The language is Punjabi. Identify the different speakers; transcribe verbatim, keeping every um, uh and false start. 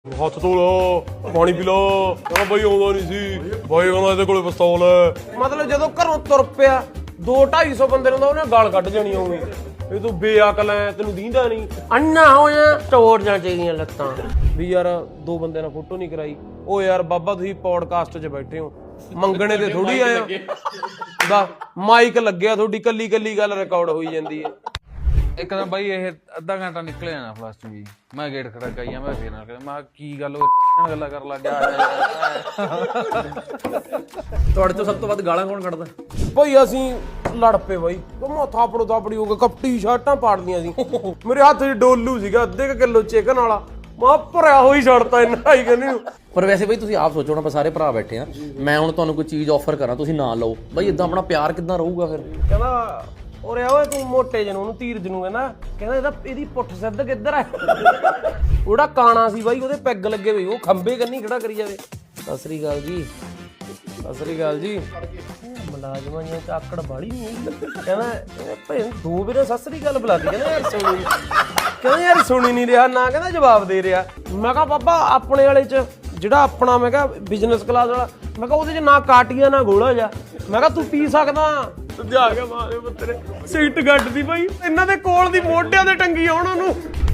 Speaker 1: ਹੱਥ ਧੋ ਲੋ, ਪਾਣੀ ਪੀ ਲੋ। ਕਹਿੰਦਾ ਬਾਈ ਆਉਂਦਾ ਨਹੀਂ ਸੀ, ਬਾਈ ਕਹਿੰਦਾ ਇਹਦੇ ਕੋਲੇ ਪਿਸਤੌਲ ਹੈ। ਮਤਲਬ ਜਦੋਂ ਘਰੋਂ ਤੁਰ ਪਿਆ ਦੋ ਢਾਈ ਸੌ ਬੰਦੇ ਨੂੰ ਤਾਂ ਉਹਨੇ ਗਾਲ ਕੱਢ ਜਾਣੀ ਹੋਊਗੀ, ਇਹ ਤੂੰ ਬੇਅਕਲ ਐ, ਤੈਨੂੰ ਦੀਂਦਾ ਨਹੀਂ। ਅੰਨਾ ਹੋਇਆ ਟੋੜ ਜਾਂ ਚਾਹੀਦੀਆਂ ਲੱਤਾਂ ਵੀ ਯਾਰ ਦੋ ਬੰਦੇ ਨਾਲ ਫੋਟੋ ਨਹੀਂ ਕਰਾਈ। ਉਹ ਯਾਰ ਬਾਬਾ ਤੁਸੀਂ ਪੌਡਕਾਸਟ 'ਚ ਬੈਠੇ ਹੋ, ਮੰਗਣੇ ਤੇ ਥੋੜੀ ਆਇਆ ਦਾ ਮਾਈਕ ਲੱਗਿਆ, ਤੁਹਾਡੀ ਕੱਲੀ ਕੱਲੀ ਗੱਲ ਰਿਕਾਰਡ ਹੋਈ ਜਾਂਦੀ ਹੈ।
Speaker 2: ਇੱਕ ਤਾਂ ਬਾਈ ਇਹ ਅੱਧਾ ਘੰਟਾ ਨਿਕਲਿਆ ਨਾ ਫਲਸ ਚ ਵੀ, ਮੈਂ ਗੇਟ ਖੜਾ ਕਰੀਆ, ਮੈਂ ਫੇਰ ਨਾਲ ਮੈਂ ਕੀ ਗੱਲ ਉਹ ਗੱਲਾਂ ਕਰਨ ਲੱਗ ਗਿਆ।
Speaker 3: ਤੁਹਾਡੇ ਤੋਂ ਸਭ ਤੋਂ ਵੱਧ ਗਾਲਾਂ ਕੌਣ ਕੱਢਦਾ?
Speaker 1: ਭਾਈ ਅਸੀਂ ਲੜ ਪਏ ਬਾਈ, ਮੈਂ ਥਾਪੜੋ ਥਾਪੜੀ ਹੋ ਗਏ, ਕਪਟੀ ਸ਼ਰਟਾਂ ਪਾੜਦੀਆਂ ਸੀ। ਮੇਰੇ ਹੱਥ 'ਚ ਡੋਲੂ ਸੀਗਾ ਅੱਧੇ ਕੁ ਕਿਲੋ ਚਿਕਨ ਵਾਲਾ, ਮੈਂ ਭਰਿਆ ਹੋਈ ਛੱਡਤਾ ਇੰਨਾ ਹੀ ਕਹਿੰਦੀ।
Speaker 3: ਪਰ ਵੈਸੇ ਬਈ ਤੁਸੀਂ ਆਪ ਸੋਚੋ ਨਾ, ਆਪਾਂ ਸਾਰੇ ਭਰਾ ਬੈਠੇ ਆ, ਮੈਂ ਹੁਣ ਤੁਹਾਨੂੰ ਕੋਈ ਚੀਜ਼ ਆਫਰ ਕਰਾਂ, ਤੁਸੀਂ ਨਾ ਲਓ ਬਈ, ਇਦਾਂ ਆਪਣਾ ਪਿਆਰ ਕਿੱਦਾਂ ਰਹੂਗਾ ਫਿਰ?
Speaker 1: ਕਹਿੰਦਾ ਉਰੇ ਓਏ ਤੂੰ ਮੋਟੇ ਜਿਹਨੂੰ, ਉਹਨੂੰ ਧੀਰਜ ਨੂੰ ਕਹਿੰਦਾ ਕਹਿੰਦਾ ਇਹਦਾ ਇਹਦੀ ਪੁੱਠ ਸਿੱਧ ਕਿੱਧਰ ਹੈ। ਉਹਦਾ ਕਾਣਾ ਸੀ ਬਾਈ, ਉਹਦੇ ਪੈਗ ਲੱਗੇ ਹੋਏ, ਉਹ ਖੰਬੇ ਕੰਨੀ ਖੜਾ ਕਰੀ ਜਾਵੇ। ਸਤਿ ਸ੍ਰੀ ਅਕਾਲ ਜੀ, ਸਤਿ ਸ੍ਰੀ ਅਕਾਲ ਜੀ। ਮੁਲਾਜ਼ਮਾਂ ਦੀਆਂ ਆਕੜ ਬਾੜੀ ਨਹੀਂ ਕਹਿੰਦਾ ਭਾਈ ਦੋ ਵੀਰੇ ਸਤਿ ਸ੍ਰੀ ਅਕਾਲ ਬੁਲਾਦੀ, ਕਹਿੰਦਾ ਯਾਰ ਸੁਣੀ ਕਹਿੰਦਾ ਯਾਰ ਸੁਣੀ ਨਹੀਂ ਰਿਹਾ ਨਾ, ਕਹਿੰਦਾ ਜਵਾਬ ਦੇ ਰਿਹਾ। ਮੈਂ ਕਿਹਾ ਬਾਬਾ ਆਪਣੇ ਵਾਲੇ 'ਚ ਜਿਹੜਾ ਆਪਣਾ ਮੈਂ ਕਿਹਾ ਬਿਜ਼ਨਸ ਕਲਾਸ ਵਾਲਾ, ਮੈਂ ਕਿਹਾ ਉਹਦੇ 'ਚ ਨਾ ਕਾਟੀਆ ਨਾ ਗੋਲਾ ਜਾ, ਮੈਂ ਕਿਹਾ ਤੂੰ ਪੀ ਸਕਦਾ। ਜਾ ਕੇ ਮਾਰੇ ਪੁੱਤਰੇ ਸੀਟ ਗੱਡ ਦੀ ਬਾਈ, ਇਹਨਾਂ ਦੇ ਕੋਲ ਦੀ ਮੋਢਿਆਂ ਤੇ ਟੰਗੀ ਆ ਉਹਨਾਂ ਨੂੰ।